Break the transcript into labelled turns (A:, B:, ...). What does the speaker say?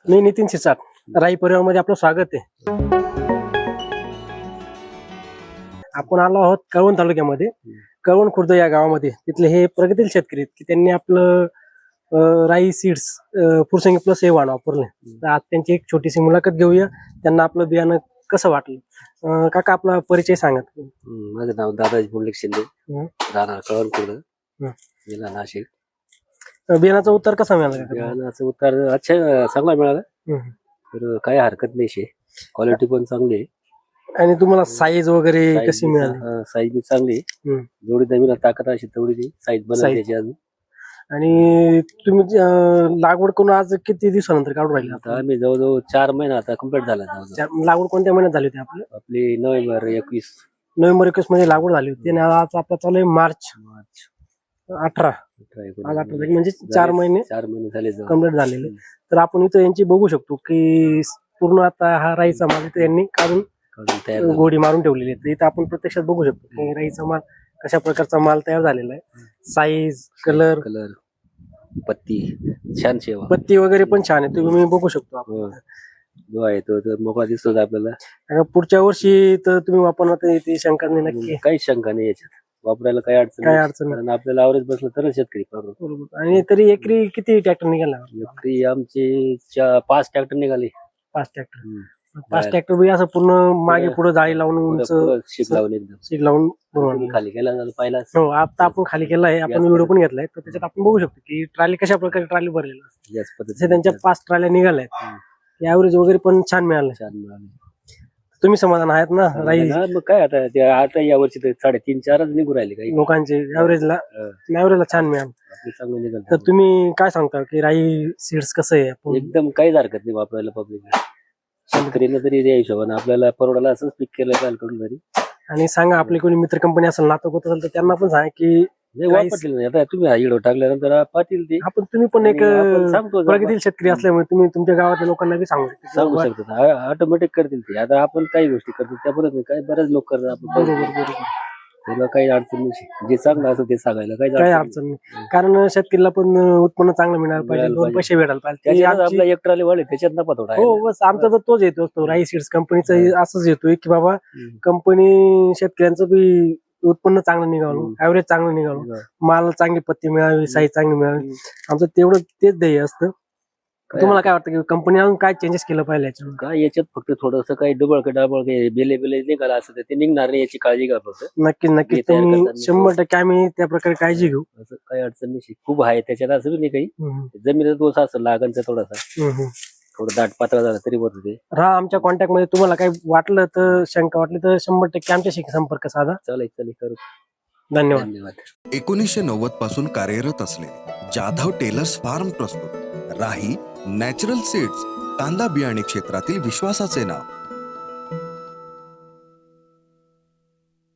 A: मी नितीन शिसाट, राई परिवारामध्ये आपलं स्वागत आहे. आपण आलो आहोत कळवण तालुक्यामध्ये. कळवण खुर्द या गावामध्ये तिथले हे प्रगतील शेतकरी आहेत की त्यांनी आपलं राई सीड्स फुरसंगी प्लस हे वाण वापरले. तर आज त्यांची एक छोटीशी मुलाखत घेऊया. त्यांना आपलं बियाणं कसं वाटलं. काका आपला परिचय सांगत.
B: माझं नाव दादाजी पुंडलिक शिंदे, राहणार कळवण खुर्द, जिल्हा नाशिक.
A: बियाणाचा उत्तर कसा मिळाला काका?
B: बियाणाचं उत्तर अच्छा चांगला मिळाला. तर काही हरकत नाही शे, क्वालिटी पण चांगली आहे.
A: आणि तुम्हाला साईज वगैरे कशी मिळाली?
B: साईज बी चांगली आहे. जेवढी नवीन ताकद अशी तेवढी साईज बनवायची अजून.
A: आणि तुम्ही लागवड करून आज किती दिवसानंतर काढून राहिले?
B: आता आम्ही जवळजवळ 4 महिना आता कम्प्लीट झाला.
A: लागवड कोणत्या महिन्यात झाली होती
B: आपली नोव्हेंबर 21
A: मध्ये लागवड झाली होती. आणि आज आपला चालू आहे मार्च 18. आज 18 म्हणजे 4 महिने
B: झाले
A: कम्प्लीट झालेले. तर आपण इथं यांची बघू शकतो की पूर्ण आता हा राईचा माल इथं यांनी काढून गोडी मारून ठेवलेली आहे. इथं आपण प्रत्यक्षात बघू शकतो की राईचा माल कशा प्रकारचा माल तयार झालेला आहे. साईज, कलर,
B: पत्ती छान शेवा,
A: पत्ती वगैरे पण छान आहे. तुम्ही बघू शकतो आपण
B: जो आहे तो मोकळा दिसतो आपल्याला.
A: पुढच्या वर्षी तर तुम्ही वापरणार ती शंका नाही नक्की?
B: काही शंका नाही याच्यात, वापरायला काही अडचण
A: नाही.
B: आपल्याला आवरेज बसलं तरच शेतकरी पाहतो.
A: आणि तरी एकरी किती ट्रॅक्टर निघाला?
B: एकरी आमचे 5 ट्रॅक्टर निघाले.
A: 5 ट्रॅक्टर. 5 ट्रॅक्टर बी असं पूर्ण मागे पुढे जाळी लावून उंच
B: शीट लावून एकदम
A: शीट लावून
B: खाली केला पाहिला.
A: हो, आता आपण खाली केला आहे. आपण व्हिडिओ पण घेतलाय. तर त्याच्यात आपण बघू शकतो की ट्रॉली कशा प्रकारे ट्रॉली भरलेला असते.
B: याच पद्धतीने
A: त्यांच्या 5 ट्रॉल्या निघाल्या आहेत. ऍव्हरेज वगैरे पण छान मिळालं. तुम्ही समाधान आहेत ना? राई
B: मग काय आता या वर्षी 3.5-4च निघू राहिले काही
A: लोकांचे ऍव्हरेजला छान मिळालं. तर तुम्ही काय सांगता की राई सीड्स कसं आहे?
B: एकदम काहीच हरकत नाही वापरायला. पब्लिक शेतकरीने तरी त्या हिशोबाने आपल्याला परवडायला असंच पीक केलं पाहिजे कडून तरी.
A: आणि सांगा आपली कोणी मित्र कंपनी असेल, नातं होत असेल तर त्यांना पण सांगा की
B: वापरतील नाही. आता तुम्ही हा व्हिडिओ टाकल्यानंतर पाहतील ते.
A: आपण तुम्ही पण एक
B: सांगतो
A: प्रगतील शेतकरी असल्यामुळे तुम्ही तुमच्या गावातल्या लोकांना बी सांगू
B: शकतात. ऑटोमॅटिक करतील ते. आता आपण काही गोष्टी करतो त्या पद्धतीने काय बरेच लोक करतात. आपण
A: बरोबर
B: त्याला काही अडचण नाही. जे चांगलं असं ते सांगायला काही
A: अडचण नाही. कारण शेतकरीला पण उत्पन्न चांगलं मिळायला पाहिजे, 2 पैसे भेटायला पाहिजे.
B: आपला एक ट्रॉली वाढले त्याच्यात नफा थोडा.
A: हो, बस आमचा तर तोच येतो. राई सीड्स कंपनीचा असंच येतोय की बाबा कंपनी शेतकऱ्यांचं बी उत्पन्न चांगलं निघावं, ऍव्हरेज चांगलं निघावं, माल चांगली पत्ती मिळावी, साईज चांगली मिळावी. आमचं तेवढं तेच ध्येय असतं. तुम्हाला काय वाटतं की कंपनी अजून काय चेंजेस केलं पाहिजे याच्यावर?
B: काय याच्यात फक्त थोडस काही डबळ बेले निघाला असं ते निघणार नाही याची काळजी घ्या फक्त.
A: नक्की तुम्ही 100% आम्ही त्या प्रकारे काळजी घेऊ.
B: असं काही अडचण नाही. खूप आहे त्याच्यात असं नाही काही. जमिनीचा दोष असं लागणचा थोडासा थोडं दाट पातळ झालं तरी होत ते.
A: आमच्या कॉन्टॅक्ट मध्ये तुम्हाला काही वाटलं तर, शंका वाटली तर 100% आमच्याशी संपर्क साधा.
B: चालेल करू.
A: धन्यवाद.
C: 1990 पासून कार्यरत असलेले जाधव टेलर्स फार्म प्रस्तुत राही नॅचरल सीड्स, कांदा बियाणे क्षेत्रातील विश्वासाचे नाव.